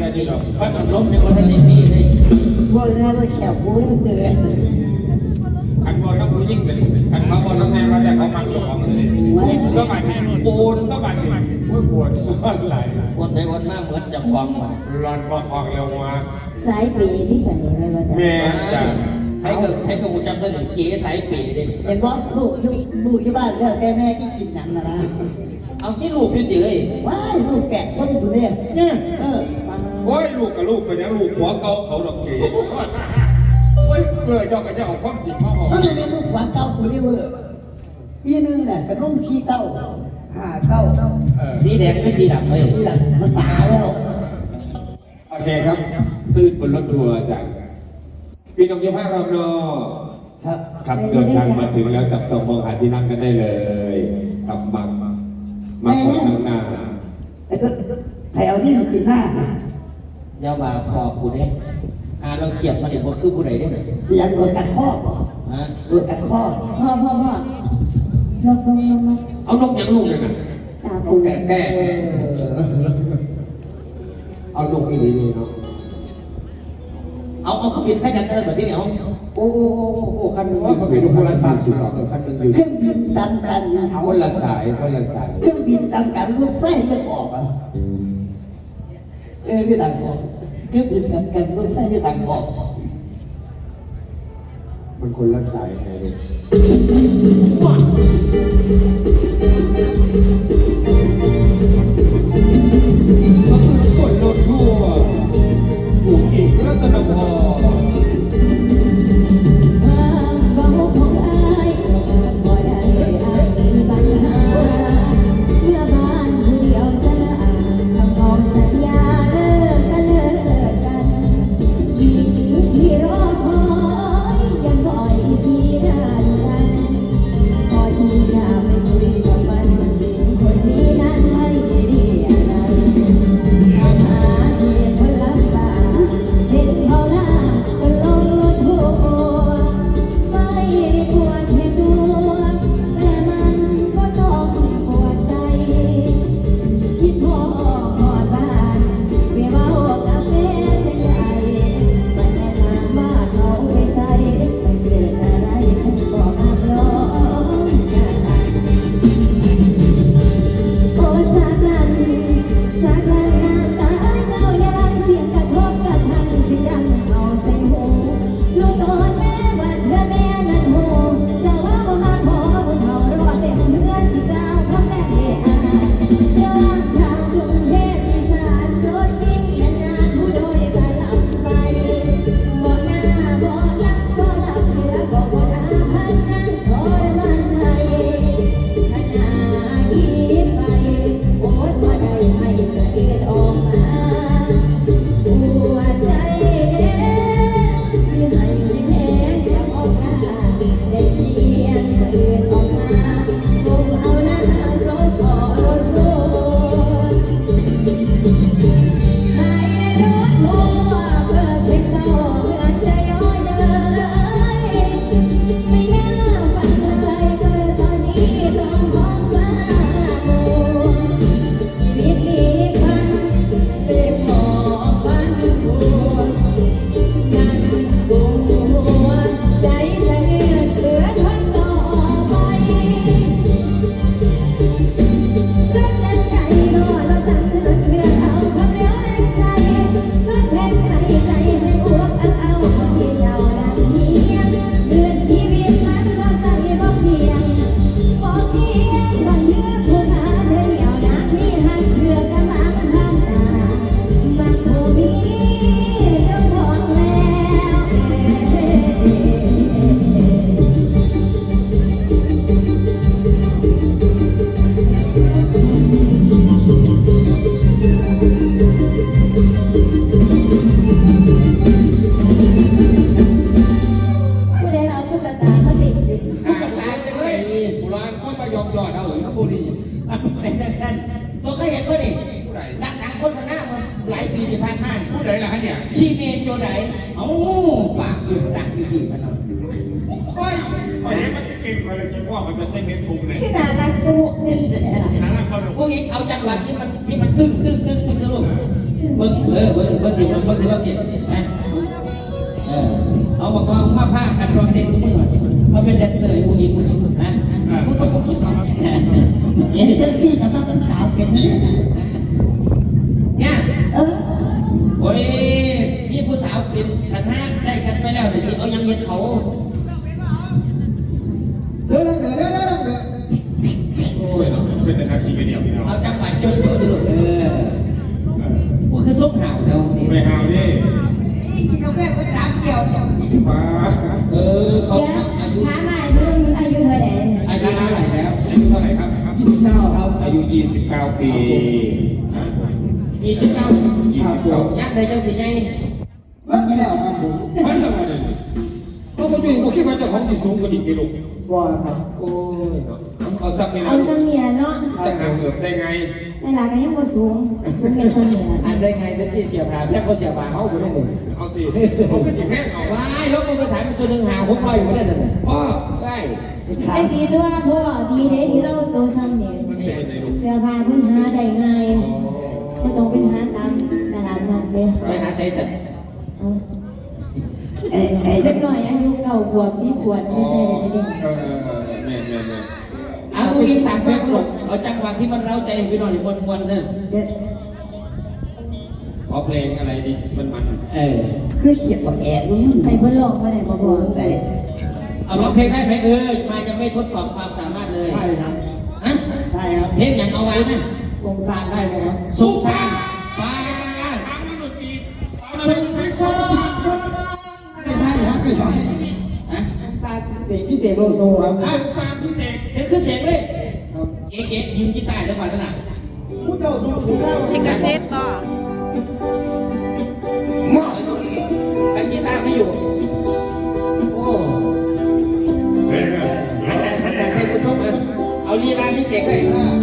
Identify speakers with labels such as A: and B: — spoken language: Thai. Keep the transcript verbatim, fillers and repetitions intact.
A: อะไรที่เรา
B: เขาขับรถในวันนี้มีเลย
C: พวกนั้นเราแขวกูให้มันเดือด
A: ขันบอลน้ำผู้ยิ่งเลยขันเขาบอลน้ำแม่มาแต่เขามักตัวของเลยก็บัดโอนก็บัดนี่ว่าปวดซ้อนไหล
B: วันไปวันมาเหมือนจะคลองมา
A: ร้อนก็คลองเร็วมา
D: สายปีที่สันนิษฐานว่าจะ
A: แม่จ้ะ
B: ให้กับให้กับกูจำได้ถึงเก๋สายปีเลย
C: เห็นว่าลูกลูกลูกที่บ้านแล้วแต่แม่ที่กินหนังนะนะ
B: เอาที่ลูกยืดเยื้อ
C: ว้ายลูกแปดคนอยู่เนี่ย
B: เนี่ยเออ
A: โอ้ยลูกกับลูกเป็นยังลูกหัวเก่าเขาดอกเก๋โอ้ยเมื่อเจ้าก็จะเอาความจริงมาออก
C: ก็เลยลูกหัวเก่ากูเรียกว่าอีนึงเนี่ยเป็นลูกขี้เต้าห่าเต้า
B: สีแดงไม่สีดำเลย
C: สีดำมันตายแล้ว
A: โอเคครับซื้อบนรถทัวร์จากพี่น้องยี่ห้าเราเนาะ
C: ครับ
A: ครับเดินทางมาถึงแล้วจับจองมองหาที่นั่งกันได้เลยกับมังมาขอนั่งหน้า
C: แล้วก็แถวนี้มันคือหน้า
B: อย่าว่าพอกูเนี่ยอ่าเราเขียนมาเดี๋ยวคือผู้ใดได้ไหม
C: อยากโดนกัดข้อป่ะ
B: ฮะ
C: โดนกัดข้อ
D: พ่อพ่อพ่อลงลงลงลง
A: เอานกยังลูกเลยนะ
D: ตา
A: ปูแก่แก่เอานกอีนีเนาะ
B: เอาเอาเครื่องบินใส่กันเลยแบบนี้เอา
A: โอ้โอ้โอ้คันนึงอยู่สวีคนละสายสุดหรอคันนึงอยู่
C: เครื่องบินตามกัน
A: คนละสายคนละสาย
C: เครื่องบินตามกันรถไฟจะออกอ่ะเออไม่ต่างออกเครื่องบินตามกันรถไฟไม่ต่างออก
A: มันคนละสายไงเนี่ยสกุลคนรถทัวร์บุกอีกรัตนพร
B: ชีเมโจไดเอ้าปากอยู่ดังอยู่ดีมันเอา
A: โอ้ยแหมมันเก่งกว่าเลยคิดว่ามันจะเซ็งเงินคุ้มเลย
D: ที่น่ารักกูนี่แหละ
A: น่ารักเขาดู
B: พวกนี้เอาจังหวะที่มันที่มันตึ้งตึ้งตึ้งตึ้งสรุปเบิ้งเออเบิ้งเบิ้งสิเบิ้งเบิ้งสิเบิ้งสินะเออเอาบอกว่ามาผ้ากันรองเด่นทุกมือเขาเป็นแดนเซอร์อยู่อีกมือนะมึงก็ผมสอน
C: เห็นเจ้าพี่กับต้องขาวเป็นนี่
B: เนี่ย
C: เออ
B: โอ้ยมีผู้สาวเป็นขันห้าได้กันไปแล้วเดี๋ยวสิเอายังเย็นเขา
C: เดี๋ยวเดี๋ยวเดี๋ยวเดี๋ยวเดี๋ยว
A: โอ้ยเนาะเป็นแต่นาทีเดียวพี่น้อง
B: เอาจังหวัดจนโตดิลูกเออว่าคือซุกห่าวแล้วนี่
A: ไม่หาวนี่
C: นี่กินกาแฟก็จามเกี่ยว
A: ป้า
B: เออเขา
D: เดี๋ยว
B: อายุ
D: ถามมาเรื่องอายุเท่าไหร่
B: อายุเท่าไหร่แล้ว
A: อายุเท่าไหร่ครับ
C: ยี่สิบเก้าครับ
A: อายุยี่สิบเก้าปี
B: ยี่สิบเก้า
A: ยี่สิบเก้า
B: ยักษ์เลยเจ้าสิไง
C: เมื่อกี้แล้วครับผม
A: มันละมันเพราะผมอยู่ผมคิดว่าเจ้าของที่สูงกว่าดิกิโล
C: ว่าครับ
A: โอ้ยเนาะเอาซับนี่
D: เอา
A: นะ
D: เสมียเนาะ
A: จังหางเกือบใส่ไง
D: ในหลักก็ยังบ่สูงสูงเป็นเสมีย
B: อันได้ไงจะที่เสียบหาแค่ก็เสียบหาเขาอยู่ได้เลย
A: เอาตีผมก็จิบแห้งเอา
B: ว้ายรถมันไปถ่ายเป็นตัวหนึ่งหาหกร้อยอยู่ได้เลย
A: ป้า
B: ได้
D: ไอ้สีตัวพ่อดีเด้ที่เราโตซ้ำเนี่ย
A: มันเป็นในลูก
D: เสื้อผ้าเพิ่นหาได้ง่ายไม่ต้องไปหาตามตลาดนัดเลย
B: ไปหาใส่สัตว์
D: เอา
C: เอ้เอ้
D: เด็กน้อยอายุเก้าขวบสิบขวบไม่ใช่เลยเด็ก
A: เออแม่แม่แม่
B: เอาเมื่อกี้สามแพ็คหลงเอาจังหวะที่มันเร้าใจพี่น้องมวนมวนๆเนี่ย
C: เด็ด
A: ขอเพลงอะไรดีมันมัน
B: เออ
C: คือเขียนกับแอบนู่น
D: ให้เพิ่นลองมาได้บ่บ่
C: ใส่
B: เอาร้องเพลงได้ไหมเออมาจะไม่ทดสอบความสามารถเลย
C: ใช่ครับ
B: ฮะ
C: ใช่ครับ
B: เพลงอย่างเอาไว้นะ
C: สงสารได้ไหมครับ
B: สุสานป้า
A: ทางมันดนตรี
B: สุสาน
C: ไม่ใช่ครับไม่ใช่
B: ฮะ
C: ตาเสียงพิเศษโลโซครับ
A: ทางสามพิเศษ
B: เป็นคือเสียงเลย
C: ครับ
B: เก๋ๆยืมกีตาร์จังหวะนั้นน่ะ
C: พูดเราดูถูกเรา
E: ลิขสิทธิ์บ่
B: มอแต่กีตาร์ไม่อยู่โอ้
A: เสียงอะ
B: อันแต่อันแต่ให้ผู้ชมเออเอาลีลาที่เสียงเลย
C: อ่า